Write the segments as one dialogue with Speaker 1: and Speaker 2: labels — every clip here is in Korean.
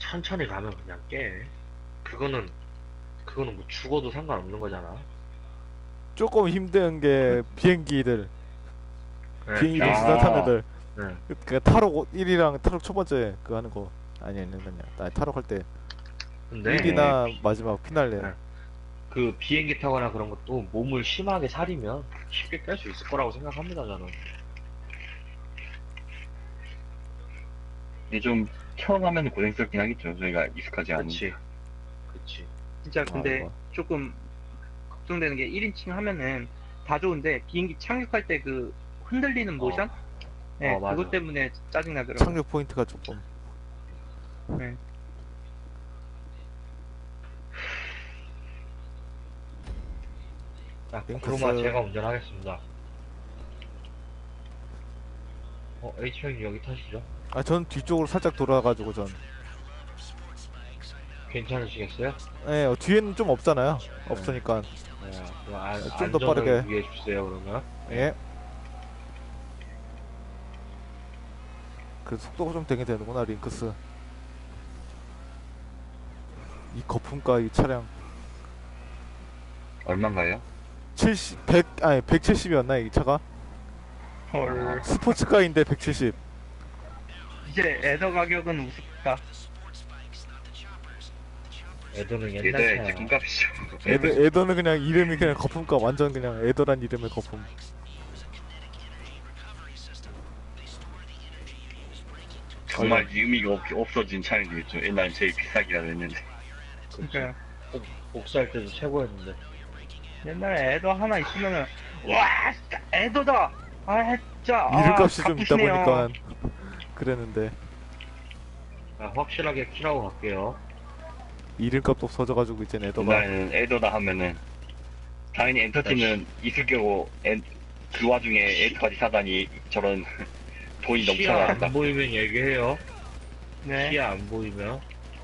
Speaker 1: 천천히 가면 그냥 깨. 그거는 뭐 죽어도 상관없는 거잖아.
Speaker 2: 조금 힘든 게
Speaker 1: 네,
Speaker 2: 비행기들 수단 타는
Speaker 3: 아,
Speaker 2: 애들.
Speaker 1: 네.
Speaker 2: 그 타록 1이랑 타록 첫 번째 그거 하는 거. 아니 타록 할 때
Speaker 1: 근데
Speaker 2: 1이나 마지막 피날레.
Speaker 1: 네. 그 비행기 타거나 그런 것도 몸을 심하게 사리면 쉽게 깰 수 있을 거라고 생각합니다, 저는.
Speaker 3: 근데 좀 처음 하면 고생스럽긴 하겠죠. 저희가 익숙하지 않은.
Speaker 1: 그치, 그치.
Speaker 4: 진짜
Speaker 2: 아,
Speaker 4: 근데
Speaker 2: 이거.
Speaker 4: 조금 걱정되는 게 1인칭 하면은 다 좋은데 비행기 착륙할 때 그 흔들리는 모션? 네,
Speaker 1: 맞아.
Speaker 4: 그것 때문에 짜증나더라고요.
Speaker 2: 착륙 포인트가 조금.
Speaker 4: 네.
Speaker 1: 자,
Speaker 2: 링크스.
Speaker 1: 그로마 제가 운전하겠습니다. H형님 여기 타시죠?
Speaker 2: 아, 전 뒤쪽으로 살짝 돌아가지고 전.
Speaker 1: 괜찮으시겠어요?
Speaker 2: 예, 뒤에는 좀 없잖아요. 없으니까.
Speaker 1: 그럼
Speaker 2: 좀더
Speaker 1: 안전을
Speaker 2: 빠르게.
Speaker 1: 위해 주세요, 그러면.
Speaker 2: 예. 그 속도가 좀 되게 되는구나, 링크스. 이 거품과 이 차량.
Speaker 3: 얼마인가요?
Speaker 2: 170이었나, 이 차가?
Speaker 4: 헐.
Speaker 2: 스포츠카인데 170.
Speaker 4: 이제 에더 가격은 우습다.
Speaker 1: 애들은 옛날
Speaker 3: 얘들
Speaker 1: 차야.
Speaker 3: 이제 금값이죠.
Speaker 2: 에더는 그냥 이름이 그냥 거품가 완전 그냥 에더란 이름의 거품.
Speaker 3: 정말 의미가 없어진 차는 되겠죠. 옛날엔 제일 비싸기라도 했는데.
Speaker 4: 그러니까
Speaker 1: 복사할 때도 최고였는데.
Speaker 4: 옛날에 에더 하나 있으면은 와 진짜 에더다. 아 진짜
Speaker 2: 이름값이 좀 있다
Speaker 4: 값비시네요.
Speaker 2: 보니까 그랬는데
Speaker 1: 자, 확실하게 키라고 갈게요.
Speaker 2: 이름값도 없어져가지고 이제 에더가
Speaker 3: 옛날에는 에더다 하면은 당연히 엔터티는 있을 거고 그 와중에 에더까지 사다니 저런 돈이
Speaker 1: 시야
Speaker 3: 넘쳐난다.
Speaker 1: 안 보이면 얘기해요.
Speaker 4: 네.
Speaker 1: 시야 안 보이면.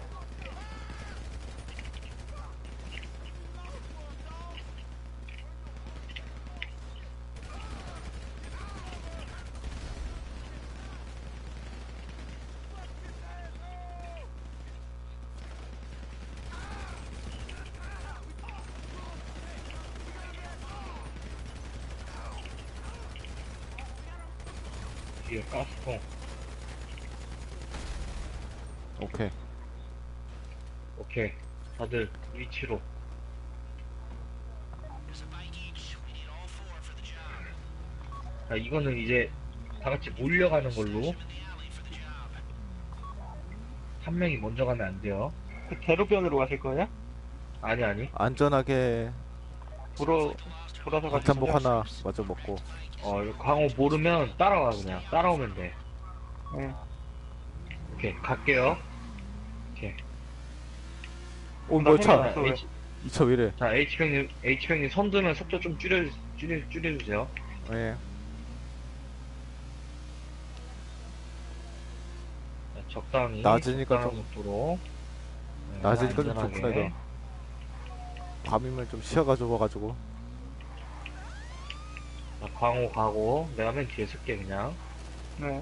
Speaker 1: 뒤에 가스통.
Speaker 2: 오케이.
Speaker 1: 오케이. 다들 위치로. 자, 이거는 이제 다 같이 몰려가는 걸로. 한 명이 먼저 가면 안 돼요.
Speaker 4: 그 대로변으로 가실 거예요?
Speaker 1: 아니.
Speaker 2: 안전하게
Speaker 4: 돌아서
Speaker 2: 박탄복
Speaker 4: 가시죠.
Speaker 2: 하나 마저 먹고.
Speaker 1: 이거 광호 모르면 따라와, 그냥. 따라오면 돼.
Speaker 4: 네.
Speaker 1: 오케이, 갈게요.
Speaker 2: 오 뭐야 차.
Speaker 4: 또 왜?
Speaker 2: 이 차 왜이래.
Speaker 1: 자, H병님 선 두면 속도 좀 줄여주세요.
Speaker 2: 예.
Speaker 1: 자, 적당히.
Speaker 2: 낮으니까
Speaker 1: 적당한
Speaker 2: 좀-
Speaker 1: 속도로. 네,
Speaker 2: 낮으니까 좀
Speaker 1: 안전하게.
Speaker 2: 좋구나 이거. 밤이면 좀 시야가 좁아가지고.
Speaker 1: 자, 광호 가고, 내가 맨 뒤에 쓸게, 그냥.
Speaker 4: 네.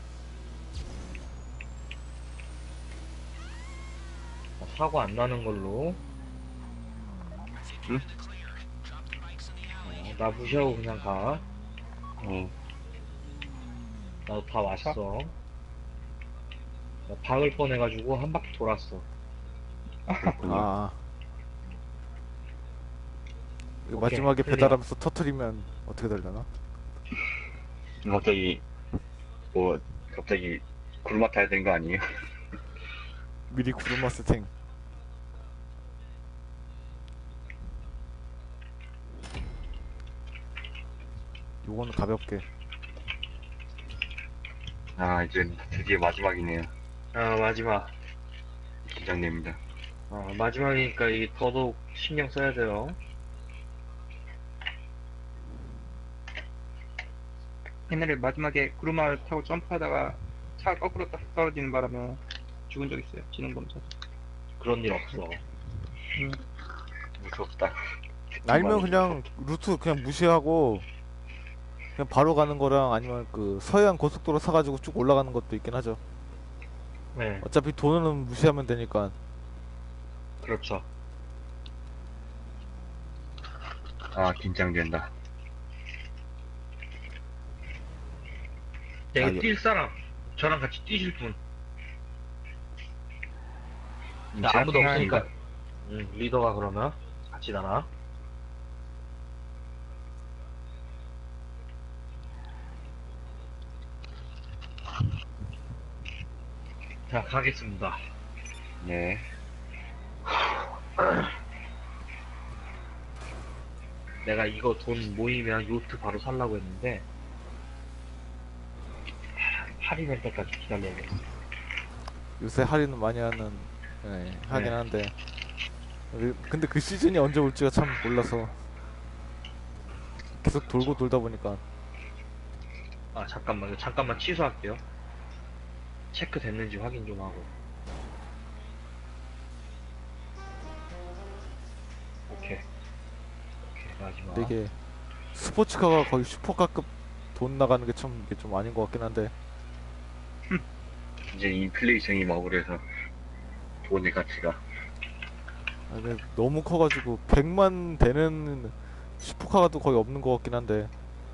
Speaker 1: 자, 사고 안 나는 걸로.
Speaker 3: 응?
Speaker 1: 나 무시하고 그냥 가. 나도 다 왔어. 나 박을 뻔해가지고 한 바퀴 돌았어.
Speaker 2: 아. 이거
Speaker 1: 오케이,
Speaker 2: 마지막에
Speaker 1: 클리어.
Speaker 2: 배달하면서 터트리면 어떻게 되려나?
Speaker 3: 갑자기 갑자기 구르마 타야 되는 거 아니에요?
Speaker 2: 미리 구르마 세팅. 요거는 가볍게.
Speaker 3: 아 이제 드디어 마지막이네요.
Speaker 1: 마지막.
Speaker 3: 긴장됩니다.
Speaker 1: 마지막이니까 이게 더더욱 신경 써야 돼요.
Speaker 4: 옛날에 마지막에 구르마를 타고 점프하다가 차가 거꾸로 딱 떨어지는 바람에 죽은 적 있어요. 지능검사.
Speaker 1: 그런 일 없어.
Speaker 3: 무섭다.
Speaker 2: 아니면 그냥 루트 그냥 무시하고 그냥 바로 가는 거랑 아니면 그 서해안 고속도로 사가지고 쭉 올라가는 것도 있긴 하죠.
Speaker 1: 네,
Speaker 2: 어차피 돈은 무시하면 되니까.
Speaker 1: 그렇죠.
Speaker 3: 아, 긴장된다.
Speaker 1: 내가
Speaker 2: 이거-
Speaker 1: 뛸 사람, 저랑 같이 뛰실 분. 나
Speaker 3: 제가
Speaker 1: 아무도 없으니까,
Speaker 3: 생각합니다.
Speaker 1: 리더가 그러면 같이 나나? 자, 가겠습니다.
Speaker 3: 네.
Speaker 1: 내가 이거 돈 모이면 요트 바로 살라고 했는데, 할인할 때까지 기다려야 돼.
Speaker 2: 요새 할인은 많이 하는, 하긴
Speaker 1: 네.
Speaker 2: 한데. 근데 그 시즌이 언제 올지가 참 몰라서. 계속 돌고 돌다 보니까.
Speaker 1: 아, 잠깐만요. 잠깐만 취소할게요. 체크 됐는지 확인 좀 하고. 오케이. 오케이, 마지막.
Speaker 2: 근데 이게 스포츠카가 거의 슈퍼카급 돈 나가는 게 참 이게 좀 아닌 것 같긴 한데.
Speaker 3: 이제 인플레이션이 막 오래서 돈의 가치가.
Speaker 2: 아, 근데 너무 커가지고 100만 되는 슈퍼카가 또 거의 없는 것 같긴 한데.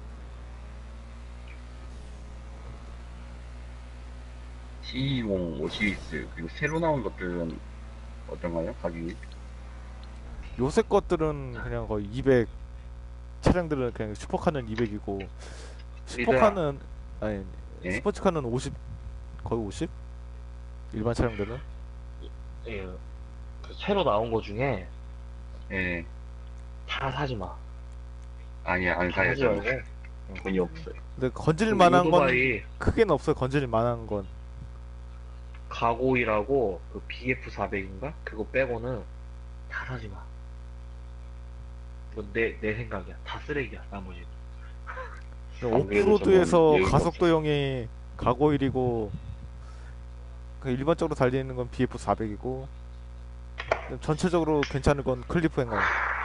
Speaker 3: C20, 5 시리즈 그리고 새로 나온 것들은 어떤가요? 가격이?
Speaker 2: 요새 것들은 그냥 거의 200, 차량들은 그냥 슈퍼카는 200이고 슈퍼카는 아니
Speaker 3: 예?
Speaker 2: 스포츠카는 50, 거의 50? 일반 차량들은.
Speaker 1: 예, 그 새로 나온 거 중에
Speaker 3: 예.
Speaker 1: 다 사지 마.
Speaker 3: 아니야, 안
Speaker 1: 다
Speaker 3: 사요.
Speaker 1: 사지
Speaker 3: 저는.
Speaker 1: 말고.
Speaker 3: 돈이 없어요.
Speaker 2: 근데 건질
Speaker 1: 그
Speaker 2: 만한 건
Speaker 1: 오토바이
Speaker 2: 크게는 없어요. 건질 만한 건.
Speaker 1: 가고이라고 그 BF400인가? 그거 빼고는 다 사지 마. 이거 내 생각이야. 다 쓰레기야, 나머지.
Speaker 3: 안 그래도
Speaker 2: 오프로드에서
Speaker 3: 저는 여유가
Speaker 2: 가속도형이 가고일이고 그 일반적으로 달리는 건 BF400이고 전체적으로 괜찮은 건 클리프 행거.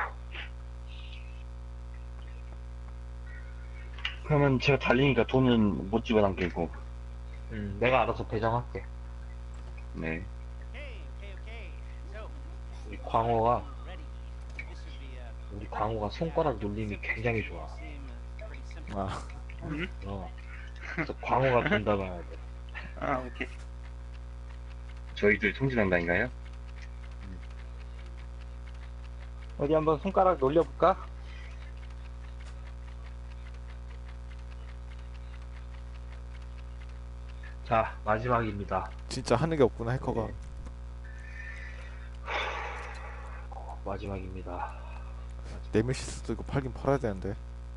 Speaker 3: 그러면 제가 달리니까 돈은 못 집어당기고.
Speaker 1: 내가 알아서 배정할게.
Speaker 3: 네.
Speaker 1: 우리 광호가, 손가락 눌림이 굉장히 좋아.
Speaker 2: 아,
Speaker 1: 그래서 광호가 돈 담아야 돼.
Speaker 4: 아, 오케이.
Speaker 3: 저희들 통신한다인가요?
Speaker 4: 어디 한번 손가락 놀려볼까?
Speaker 1: 자, 마지막입니다.
Speaker 2: 진짜 하는 게 없구나 해커가.
Speaker 1: 마지막입니다.
Speaker 2: 네메시스도 이거 팔긴 팔아야 되는데.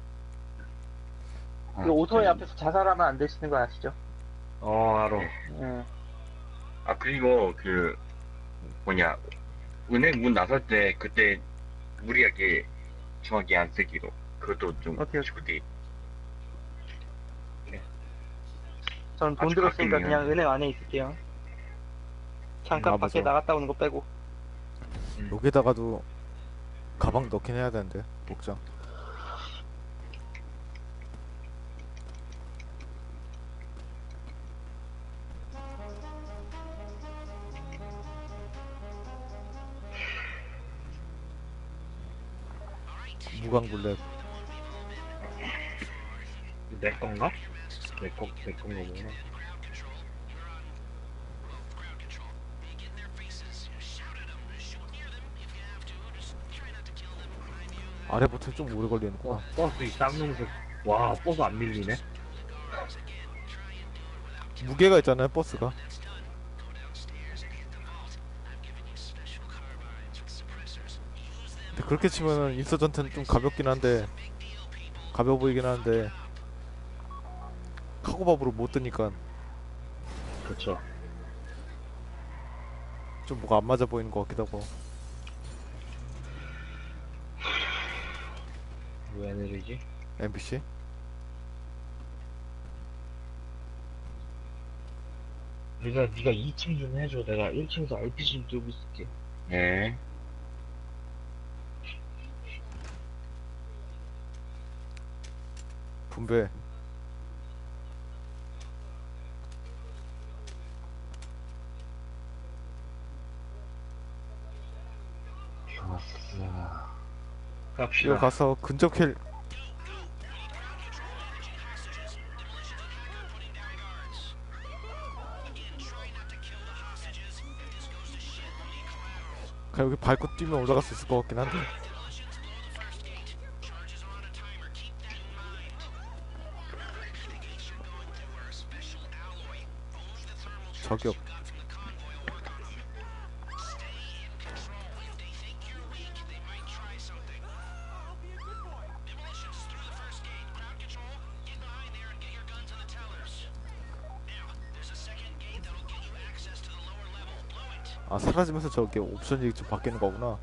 Speaker 3: 아,
Speaker 4: 이 오토바이
Speaker 3: 저는-
Speaker 4: 앞에서 자살하면 안 되시는 거 아시죠?
Speaker 1: 알아.
Speaker 4: 응.
Speaker 3: 아, 그리고 그, 뭐냐, 은행 문 나설 때 그때 무리하게 중하게 안 쓰기로. 그것도 좀
Speaker 4: 오케이.
Speaker 3: 주디.
Speaker 4: 저는 돈
Speaker 3: 아주
Speaker 4: 들었으니까
Speaker 3: 가끔이면.
Speaker 4: 그냥 은행 안에 있을게요. 잠깐
Speaker 2: 아,
Speaker 4: 밖에
Speaker 2: 맞아.
Speaker 4: 나갔다 오는 거 빼고.
Speaker 2: 여기다가도 가방 넣긴 해야 되는데 목장. 무광블랙.
Speaker 1: 내 건가? 내 건가 보구나.
Speaker 2: 아래 버튼 좀 오래 걸리는구나.
Speaker 1: 버스 이 쌍놈색. 와, 버스 안 밀리네.
Speaker 2: 무게가 있잖아요 버스가. 근데 그렇게 치면은 인서전트는 좀 가볍긴 한데 가벼워 보이긴 하는데 카고밥으로 못 뜨니까
Speaker 1: 그렇죠.
Speaker 2: 좀 뭐가 안 맞아 보이는 것 같기도 하고.
Speaker 1: 왜 내리지?
Speaker 2: MBC?
Speaker 1: 네가 2층 좀 해줘. 내가 1층에서 RPG 좀 들고 있을게.
Speaker 3: 네.
Speaker 2: 분배.
Speaker 1: 좋았어.
Speaker 2: 이거
Speaker 1: 갑시다.
Speaker 2: 가서 근접 킬 그냥 여기 밟고 뛰면 올라갈 수 있을 것 같긴 한데. 저격. 아, 사라지면서 저게 옵션이 좀 바뀌는 거구나.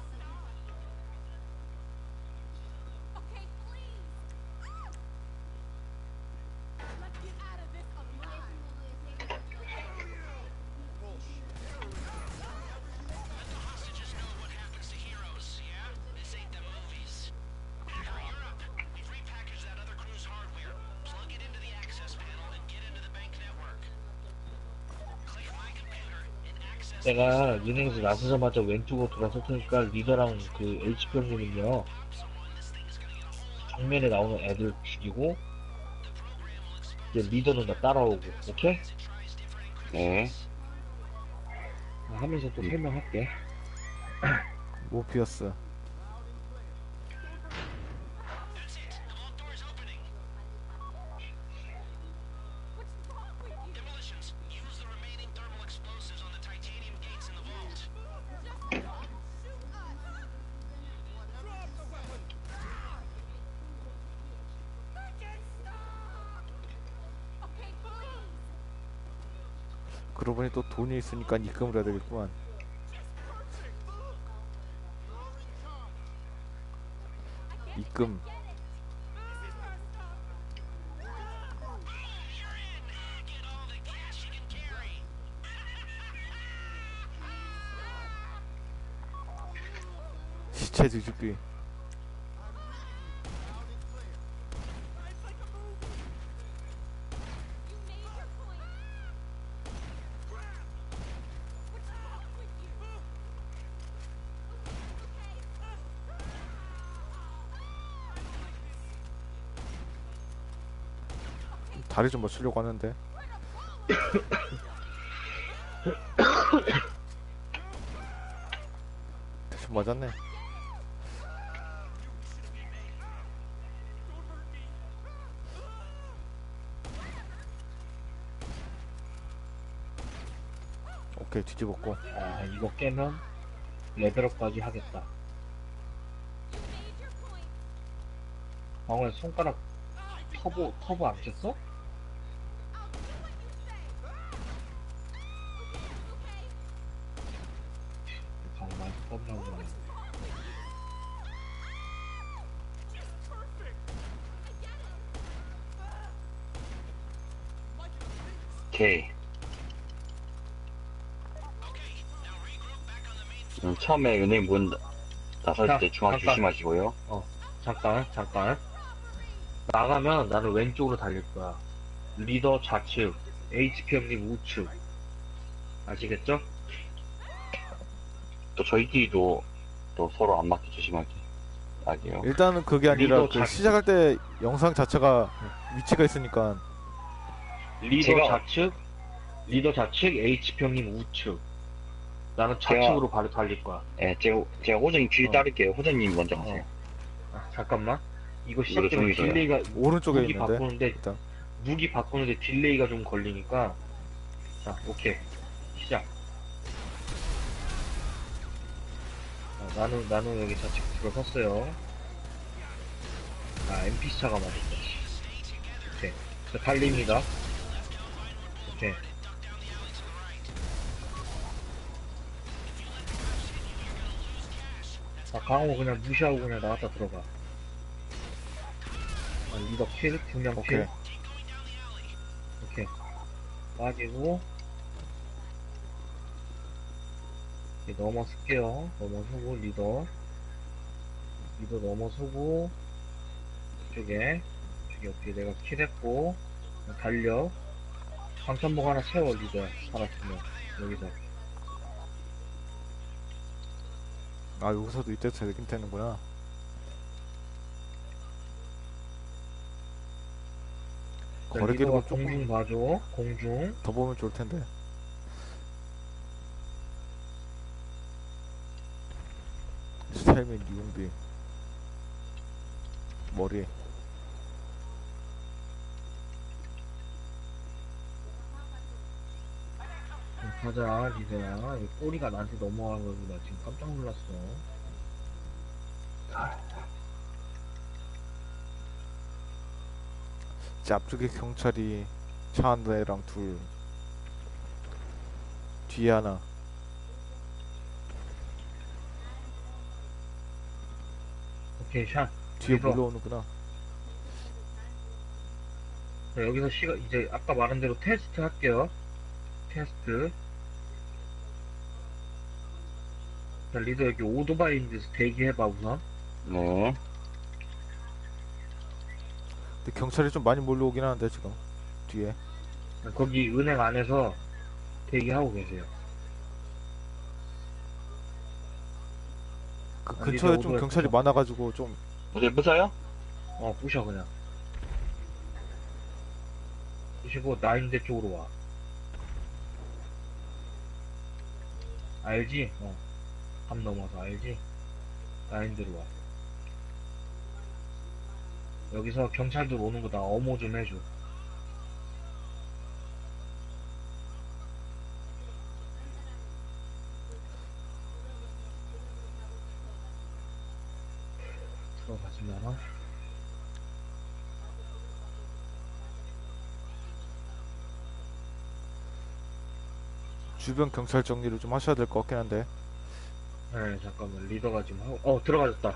Speaker 1: 내가 은행에서 나서자마자 왼쪽으로 돌아설 테니까 리더랑 그 HP 형님은요 정면에 나오는 애들 죽이고 이제 리더는 나 따라오고. 오케이?
Speaker 3: 네.
Speaker 1: 하면서 또 설명할게.
Speaker 2: 모피어스. 그러고 보니 또 돈이 있으니까 입금을 해야 되겠구만. 입금. 시체 뒤집기. 다리 좀 맞추려고 하는데. 대충 맞았네. 오케이, 뒤집었고.
Speaker 1: 아, 이거 깨면 레벨업까지 하겠다. 방금 손가락 터보 안 켰어? 방금 많이 터보라고 그러네.
Speaker 3: 오케이. 처음에 은행 문 나설
Speaker 1: 자,
Speaker 3: 때 중앙
Speaker 1: 잠깐.
Speaker 3: 조심하시고요.
Speaker 1: 잠깐. 나가면 나는 왼쪽으로 달릴 거야. 리더 좌측, HP 형님 우측. 아시겠죠?
Speaker 3: 또 저희끼리도 또 서로 안 맞게 조심하게 하게요.
Speaker 2: 일단은 그게 아니라
Speaker 1: 리더
Speaker 2: 그
Speaker 1: 작-
Speaker 2: 시작할 때 영상 자체가 위치가 있으니까.
Speaker 1: 리더 좌측, HP 형님 우측. 나는 좌측으로 바로 달릴 거야.
Speaker 3: 예, 제가 호정님 뒤에
Speaker 1: 어.
Speaker 3: 따를게요. 호정님 먼저 가세요.
Speaker 1: 아, 잠깐만. 이거
Speaker 3: 이거
Speaker 1: 시작되면
Speaker 3: 종이서요.
Speaker 1: 딜레이가
Speaker 2: 오른쪽에
Speaker 1: 무기
Speaker 2: 있는데.
Speaker 1: 바꾸는데
Speaker 2: 일단
Speaker 1: 무기 바꾸는데 딜레이가 좀 걸리니까. 자, 오케이. 시작. 자, 나는 여기 좌측 들어섰어요. 아, NPC 차가 맞았다. 오케이. 자, 달립니다. 오케이. 아, 강호 그냥 무시하고 그냥 나갔다 들어가. 아, 리더 킬, 두명
Speaker 2: 오케이.
Speaker 1: 킬. 오케이. 빠지고. 이렇게 넘어설게요. 넘어서고, 리더 넘어서고, 이쪽에. 오케이. 내가 킬했고, 달려. 방탄복 하나 세워, 리더야. 살았으면. 여기서.
Speaker 2: 아, 여기서도 이때 되긴 되는구나. 거리
Speaker 1: 리더가
Speaker 2: 기록을 조금
Speaker 1: 공중 봐줘. 공중.
Speaker 2: 더 보면 좋을 텐데. 스타일 및 유용비. 머리.
Speaker 1: 가자, 리더야. 이 꼬리가 나한테 넘어와가지고 나 지금 깜짝 놀랐어.
Speaker 2: 이제 앞쪽에 경찰이 차 한 대랑 둘. 뒤에 하나.
Speaker 1: 오케이, 샷.
Speaker 2: 뒤에
Speaker 1: 리더.
Speaker 2: 물러오는구나.
Speaker 1: 자, 여기서 이제 아까 말한 대로 테스트 할게요. 테스트. 자, 리더 여기 오토바이 있는 데서 대기해봐, 우선.
Speaker 3: 네.
Speaker 2: 근데 경찰이 좀 많이 몰려오긴 하는데 지금 뒤에.
Speaker 1: 거기 은행 안에서 대기하고 계세요.
Speaker 2: 그
Speaker 1: 아,
Speaker 2: 근처에
Speaker 1: 리더
Speaker 2: 좀
Speaker 1: 오토바이
Speaker 2: 경찰이
Speaker 1: 부숴.
Speaker 2: 많아가지고 좀.
Speaker 3: 어디 무서요?
Speaker 1: 부셔, 그냥. 부시고, 나인대 쪽으로 와. 알지? 밤 넘어서 알지? 나인대로 와. 여기서 경찰들 오는 거 나 어모 좀 해줘. 들어가지면
Speaker 2: 주변 경찰 정리를 좀 하셔야 될 것 같긴 한데.
Speaker 1: 네, 잠깐만. 리더가 지금 하고, 들어가졌다.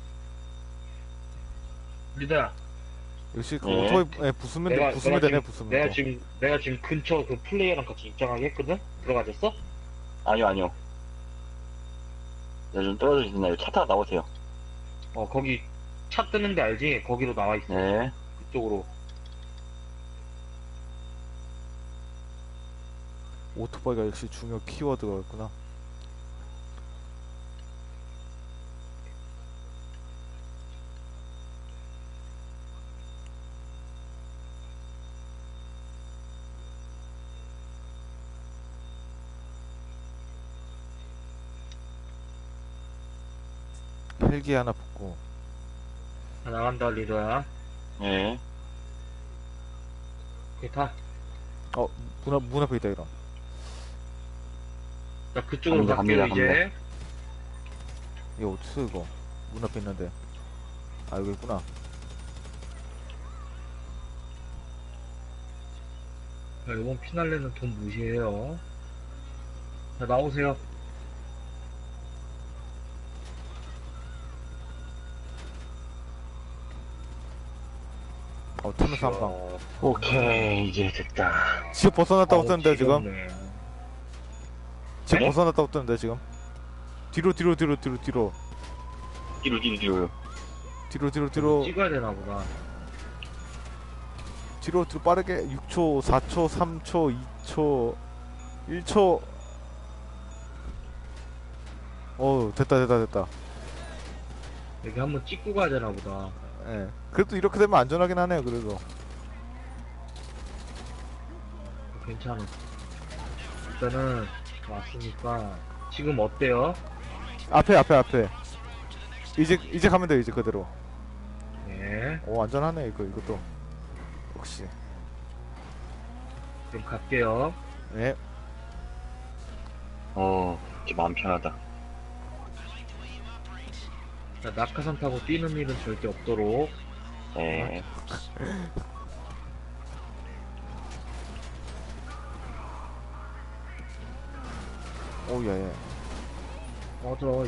Speaker 1: 리더야,
Speaker 2: 역시 그
Speaker 3: 네.
Speaker 2: 오토바이 부수면 돼, 부수면 되네, 부수면 또.
Speaker 1: 내가 지금 근처 그 플레이어랑 같이 입장하게 했거든? 들어가졌어?
Speaker 3: 아니요, 아니요. 네, 좀 떨어져 있나요? 차 타고 나오세요.
Speaker 1: 거기 차 뜨는데 알지? 거기로 나와 있어.
Speaker 3: 네.
Speaker 1: 그쪽으로.
Speaker 2: 오토바이가 역시 중요 키워드가 있구나. 헬기 하나 붙고.
Speaker 1: 자, 나간다, 리더야.
Speaker 3: 네.
Speaker 1: 오케이, 타.
Speaker 2: 문 앞에 있다, 이런.
Speaker 1: 자, 그쪽으로
Speaker 3: 갑니다,
Speaker 1: 갈게요, 이제.
Speaker 2: 이거 어딨어, 이거? 문 앞에 있는데. 아, 여기 있구나.
Speaker 1: 자, 이번 피날레는 돈 무시해요. 자, 나오세요.
Speaker 2: 타면서 한 방.
Speaker 3: 오케이, 이제 됐다.
Speaker 2: 지금 벗어났다고 뜨는데, 지금?
Speaker 1: 지겹네.
Speaker 2: 지금
Speaker 3: 네?
Speaker 2: 벗어났다고 뜨는데, 지금? 뒤로.
Speaker 3: 뒤로, 뒤로요.
Speaker 2: 뒤로.
Speaker 1: 찍어야 되나 보다.
Speaker 2: 뒤로 빠르게 6초, 4초, 3초, 2초, 1초. 됐다.
Speaker 1: 여기 한번 찍고 가야 되나 보다.
Speaker 2: 예. 그래도 이렇게 되면 안전하긴 하네요, 그래도.
Speaker 1: 괜찮아. 일단은 왔으니까 지금 어때요?
Speaker 2: 앞에. 이제 가면 돼, 이제 그대로.
Speaker 1: 네.
Speaker 2: 안전하네, 이것도. 역시.
Speaker 1: 그럼 갈게요.
Speaker 2: 예.
Speaker 3: 이제 마음 편하다.
Speaker 1: 자, 낙하산 타고 뛰는 일은 절대 없도록.
Speaker 3: 네.
Speaker 2: 예.
Speaker 1: 꺼져.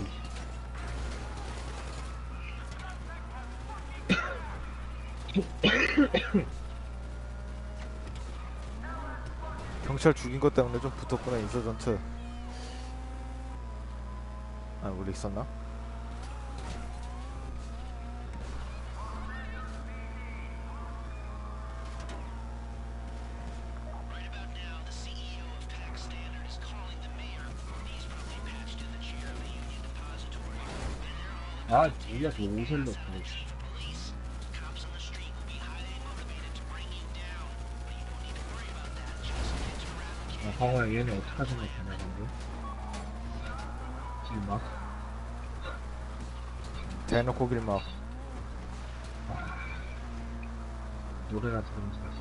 Speaker 2: 경찰 죽인 것 때문에 좀 붙었구나, 인서전트. 원래 있었나?
Speaker 1: 아, 뭐야, 저 오셀로. 아, 광호야, 얘네 어떡하 생각하냐, 방금? 지금 막,
Speaker 2: 대놓고 길막.
Speaker 1: 노래나 들으면서 가지.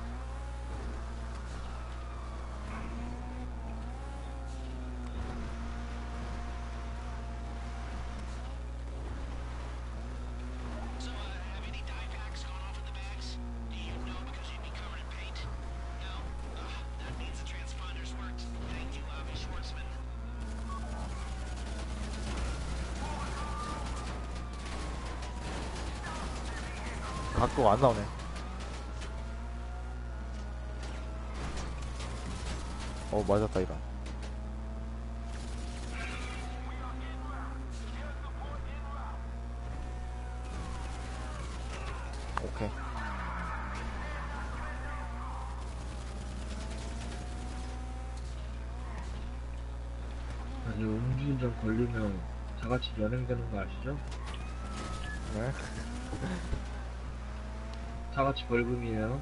Speaker 2: 각도가 안 나오네. 맞았다, 이런. 오케이.
Speaker 1: 아니, 음주운전 걸리면 다 같이 연행되는 거 아시죠?
Speaker 2: 네.
Speaker 1: 다 같이 벌금이에요.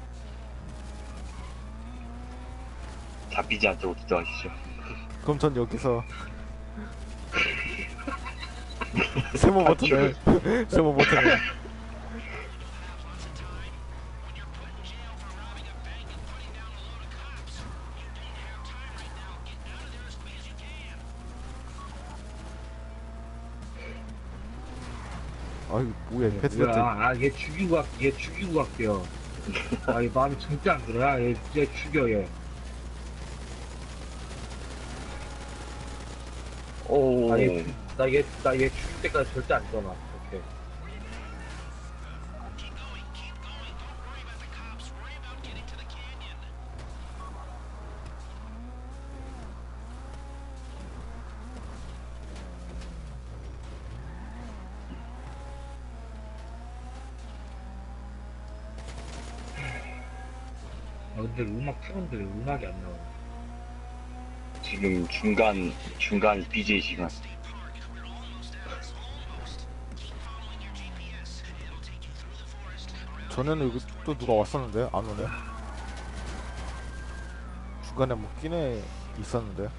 Speaker 3: 잡히지 않도록 기도하시죠.
Speaker 2: 그럼 전 여기서 세모 버튼을 세모 버튼을 아이 뭐야 패드렸더니
Speaker 1: 뭐야, 얘 죽이고 갈게요. 아, 얘 마음이 절대 안 들어. 야, 얘 죽여, 얘.
Speaker 3: 오.
Speaker 1: 나 얘 죽일 때까지 절대 안 떠나. 오케이. 아, 근데 음악 틀었는데 왜 음악이 안 나와?
Speaker 3: 지금 중간 BJ 시간.
Speaker 2: 전에는 여기 또 누가 왔었는데 안 오네. 중간에 뭐 끼네 있었는데.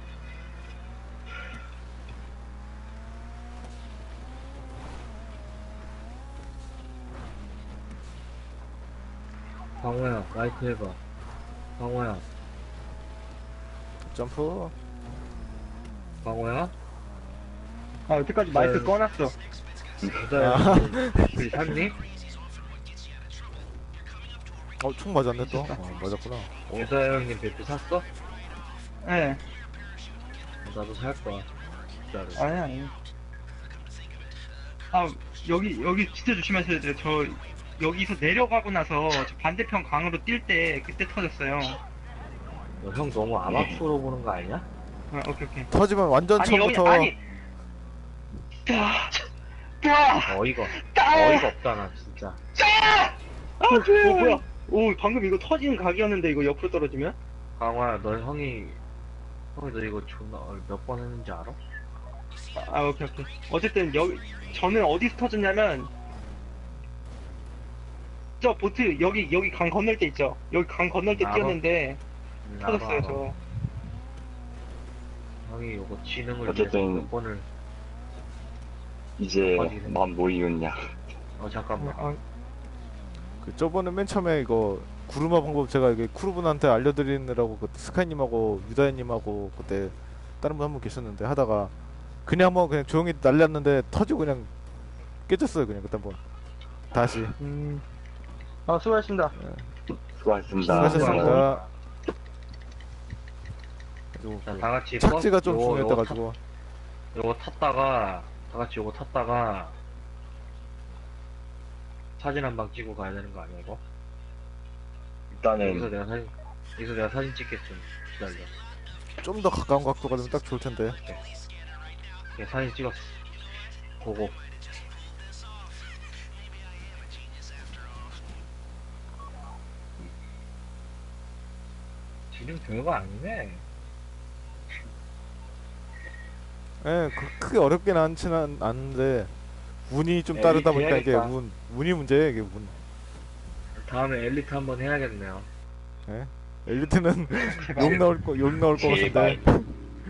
Speaker 1: 광호야, 마이크 해봐. 광호야,
Speaker 2: 점프.
Speaker 1: 광호야?
Speaker 4: 아, 여태까지 마이크
Speaker 1: 네.
Speaker 4: 꺼놨어.
Speaker 1: 여자 술 샀니?
Speaker 2: 총 맞았네 또. 맞았구나.
Speaker 1: 여자 형님 배트 샀어?
Speaker 4: 예.
Speaker 1: 나도 살 거야. 진짜로.
Speaker 4: 아니. 아, 여기 진짜 조심하셔야 돼요. 저, 여기서 내려가고 나서 저 반대편 강으로 뛸 때 그때 터졌어요.
Speaker 1: 형 너무 암압으로 보는 거 아니야?
Speaker 4: 아, 오케이.
Speaker 2: 터지면 완전
Speaker 4: 아니, 여기,
Speaker 2: 처음부터
Speaker 4: 아니.
Speaker 1: 어이가 없다, 나 진짜.
Speaker 4: 뭐야? 오, 방금 이거 터지는 각이었는데 이거 옆으로 떨어지면?
Speaker 1: 강화야, 형이 너 이거 존나 몇 번 했는지 알아?
Speaker 4: 아, 오케이. 어쨌든 저는 어디서 터졌냐면 저 보트 여기 강 건널 때 있죠. 여기 강 건널 때
Speaker 1: 알아.
Speaker 4: 뛰었는데
Speaker 1: 나도
Speaker 4: 터졌어요
Speaker 1: 알아.
Speaker 4: 저.
Speaker 1: 형이 이거 지능을
Speaker 3: 어쨌든
Speaker 1: 위해서 몇 번을
Speaker 3: 이제
Speaker 1: 어디는?
Speaker 3: 마음 모이겠냐.
Speaker 1: 잠깐만.
Speaker 2: 그 저번에 맨 처음에 이거 구르마 방법 제가 이게 크루분한테 알려드리느라고 그 스카이님하고 유다현님하고 그때 다른 분 한 분 계셨는데 하다가 그냥 한번 그냥 조용히 날렸는데 터지고 그냥 깨졌어요 그냥 그때 한번 다시.
Speaker 4: 아, 수고하셨습니다.
Speaker 3: 수고하셨습니다.
Speaker 2: 수고하셨습니다. 그래가지고
Speaker 1: 자, 다 같이
Speaker 2: 착지가
Speaker 1: 버스
Speaker 2: 좀 중요했다가지고
Speaker 1: 요거 탔다가 다 같이 요거 탔다가 사진 한 방 찍고 가야 되는 거 아니야 이거? 여기서
Speaker 3: 일단은
Speaker 1: 내가 사진 찍겠음. 기다려.
Speaker 2: 좀 더 가까운 각도가 되면 딱 좋을 텐데.
Speaker 1: 예, 사진 찍었어. 보고. 지금 별거 아니네.
Speaker 2: 예, 크게 어렵긴 않지는 않은데 운이 좀
Speaker 1: 엘리트
Speaker 2: 따르다 보니까 이게
Speaker 1: 해야겠다.
Speaker 2: 운이 문제예요, 이게 운.
Speaker 1: 다음에 엘리트 한번 해야겠네요.
Speaker 2: 예? 엘리트는
Speaker 4: 제발.
Speaker 2: 욕 나올 것
Speaker 3: 제발.
Speaker 2: 같은데.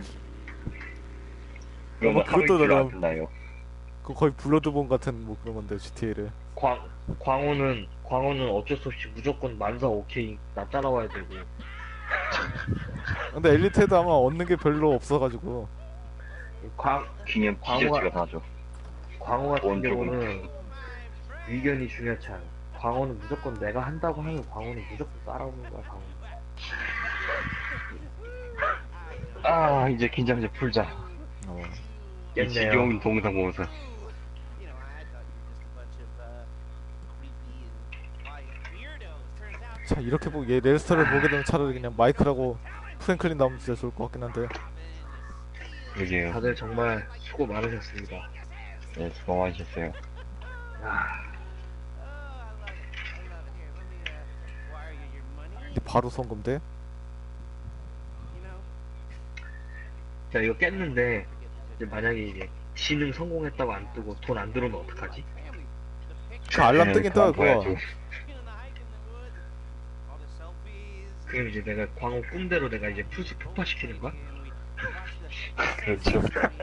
Speaker 3: 그러면
Speaker 2: 뭐
Speaker 3: 하루
Speaker 2: 그것도
Speaker 3: 이틀 안
Speaker 2: 나름-
Speaker 3: 끝나요.
Speaker 2: 그 거의 블러드본 같은 뭐 그런 건데 GTA를.
Speaker 1: 광호는 어쩔 수 없이 무조건 만사 오케이 나 따라와야 되고.
Speaker 2: 근데 엘리트에도 아마 얻는 게 별로 없어가지고.
Speaker 3: 기념
Speaker 1: 광호가-
Speaker 3: 티셔츠가 사죠.
Speaker 1: 광호 같은
Speaker 3: 원 조금.
Speaker 1: 경우는 의견이 중요치 않아. 광호는 무조건 내가 한다고 하면 광호는 무조건 따라오는 거야, 광호.
Speaker 3: 아, 이제 긴장제 풀자.
Speaker 2: 어.
Speaker 3: 이
Speaker 1: 깼네요.
Speaker 3: 지겨운 동상 보면서.
Speaker 2: 자, 이렇게 보고 얘 레스터를 보게 되면 차라리 그냥 마이크라고 프랭클린 나오면 진짜 좋을 것 같긴 한데.
Speaker 3: 그러게요.
Speaker 1: 다들 정말 수고 많으셨습니다.
Speaker 3: 네, 수고 많으셨어요.
Speaker 1: 야,
Speaker 2: 근데 바로 성공돼?
Speaker 1: 자 이거 깼는데 이제 만약에 이제 지능 성공했다고 안 뜨고 돈 안 들어오면 어떡하지?
Speaker 2: 그 알람 뜨긴 떠요, 그거.
Speaker 3: 봐야죠.
Speaker 1: 그럼 이제 내가 광호 꿈대로 내가 이제 풀스 폭파시키는 거야?
Speaker 3: 그렇죠.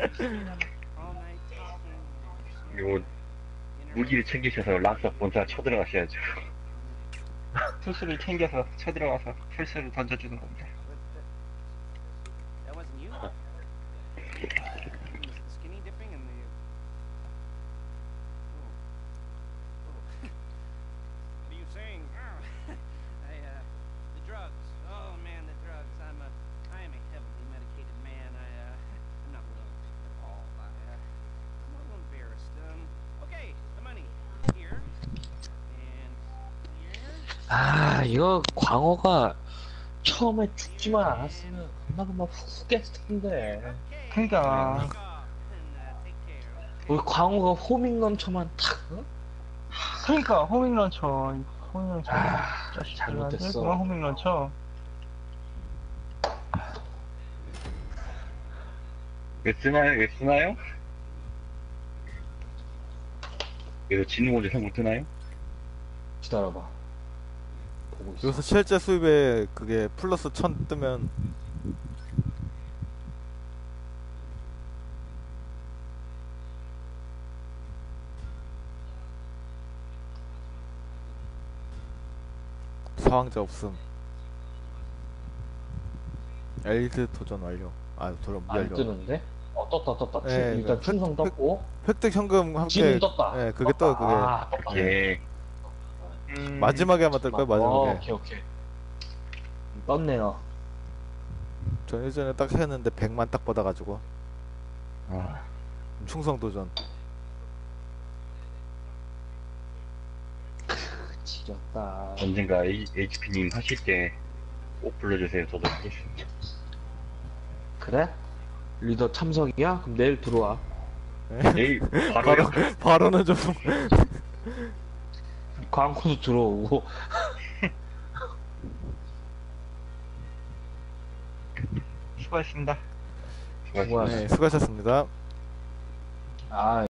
Speaker 3: 그리고 무기를 챙기셔서 락사 본사 쳐들어가셔야죠.
Speaker 4: 풀스를 챙겨서 쳐들어가서 풀스를 던져주는 겁니다.
Speaker 5: That wasn't you? The skinny dipping and the. What are you saying? The drugs. Oh man, the drugs. I am a heavily medicated man. I'm not willing at all. I'm a little embarrassed. Okay, the money here and here.
Speaker 1: 아 이거 광호가 처음에 죽지만 않았으면 금방 훅 깼을 텐데
Speaker 4: 그러니까
Speaker 5: Take care.
Speaker 1: 우리 광호가 호밍런처만 탁
Speaker 4: 그러니까 호밍런처
Speaker 1: 아,
Speaker 4: 자식들
Speaker 1: 잘못됐어.
Speaker 4: 그만 호밍런처.
Speaker 3: 왜 쓰나요? 왜 쓰나요? 그래서 진우 먼저 생못 뜨나요?
Speaker 1: 기다려봐 보고 있어.
Speaker 2: 여기서 실제 수입에 그게 플러스 1000 뜨면 사망자 없음. 엘리트 도전 완료. 아, 도전
Speaker 1: 안
Speaker 2: 완료.
Speaker 1: 뜨는데? 떴다.
Speaker 2: 예,
Speaker 1: 일단
Speaker 2: 그
Speaker 1: 충성 떴고
Speaker 2: 획득 현금 함께.
Speaker 1: 지금 떴다.
Speaker 2: 예, 그게 떠요, 그게.
Speaker 1: 아, 떴다.
Speaker 3: 예.
Speaker 2: 마지막에 아마 뜰 거예요, 마지막에.
Speaker 1: 오케이. 떴네요.
Speaker 2: 전 예전에 딱 했는데 100만 딱 받아가지고.
Speaker 3: 아,
Speaker 2: 충성 도전.
Speaker 1: 지렸다.
Speaker 3: 언젠가 HP님 하실 때 꼭 불러주세요. 저도 하겠습니다.
Speaker 1: 그래? 리더 참석이야? 그럼 내일 들어와.
Speaker 3: 내일 바로요?
Speaker 2: 바로는 좀.
Speaker 1: 광고도 들어오고.
Speaker 4: 수고했습니다.
Speaker 3: 수고하셨습니다.
Speaker 2: 네, 수고하셨습니다.
Speaker 1: 아,